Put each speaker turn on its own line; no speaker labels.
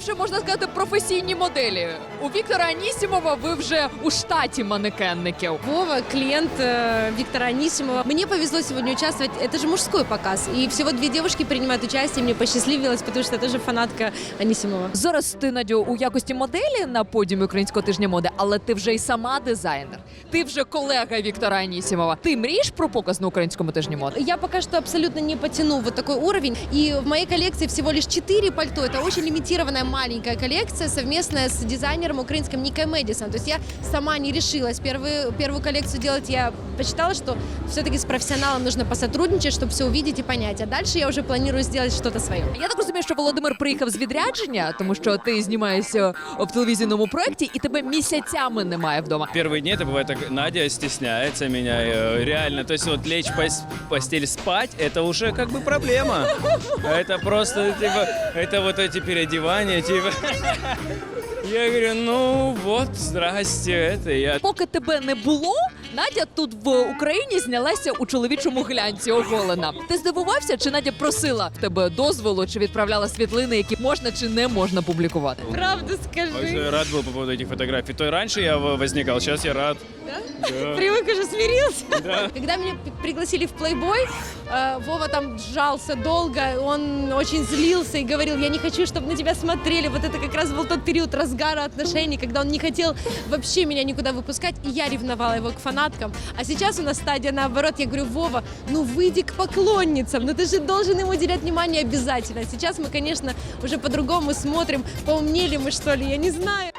вже, можна сказати, професійні моделі. У Віктора Анісімова ви вже у штаті манекенників.
Вова, клиент Виктора Анисимова. Мне повезло сегодня участвовать. Это же мужской показ. И всего 2 девушки принимают участие. Мне посчастливилось, потому что я тоже фанатка Анисимова.
Зараз ти, Надю, у якості моделі на подіумі Українського тижня моди, але ти вже й сама дизайнер. Ти вже колега Віктора Анісімова. Ти мрієш про показ на Українському тижні моди?
Я пока что абсолютно не потяну вот такой уровень. И в моей коллекции всего лишь 4 пальто. Это очень лимитированная маленькая коллекция, совместная с дизайнером украинским Никой Мэдисон. То есть я сама не решилась первую коллекцию делать. Я посчитала, что все-таки с профессионалом нужно посотрудничать, чтобы все увидеть и понять. А дальше я уже планирую сделать что-то свое.
Я так розумію, що Володимир приїхав з відрядження, тому що ти знімаєшся в телевізійному проєкті і тебе місяцями немає вдома.
Первые дни это бывает так, Надя стесняется меня, реально. То есть вот лечь в постель спать, это уже как бы проблема. Это просто, типа, это вот эти переодевания, типа. Я говорю, ну вот, здрасте, это я.
Поки тебе не було, Надя тут в Україні знялася у чоловічому глянці оголена. Ти здивувався, чи Надя просила в тебе дозволу, чи відправляла світлини, які можна чи не можна публікувати?
Правду скажи.
Я рад был по поводу этих фотографий. То раньше я возникал, сейчас я рад. Да?
Привык, уже смирился.
Да.
Когда меня пригласили в плейбой, Вова там сжался долго, он очень злился и говорил, я не хочу, чтобы на тебя смотрели. Вот это как раз был тот период разгара отношений, когда он не хотел вообще меня никуда выпускать, и я ревновала его к фанаткам. А сейчас у нас стадия наоборот, я говорю, Вова, ну выйди к поклонницам, ну ты же должен им уделять внимание обязательно. Сейчас мы, конечно, уже по-другому смотрим, поумнели мы, что ли, я не знаю.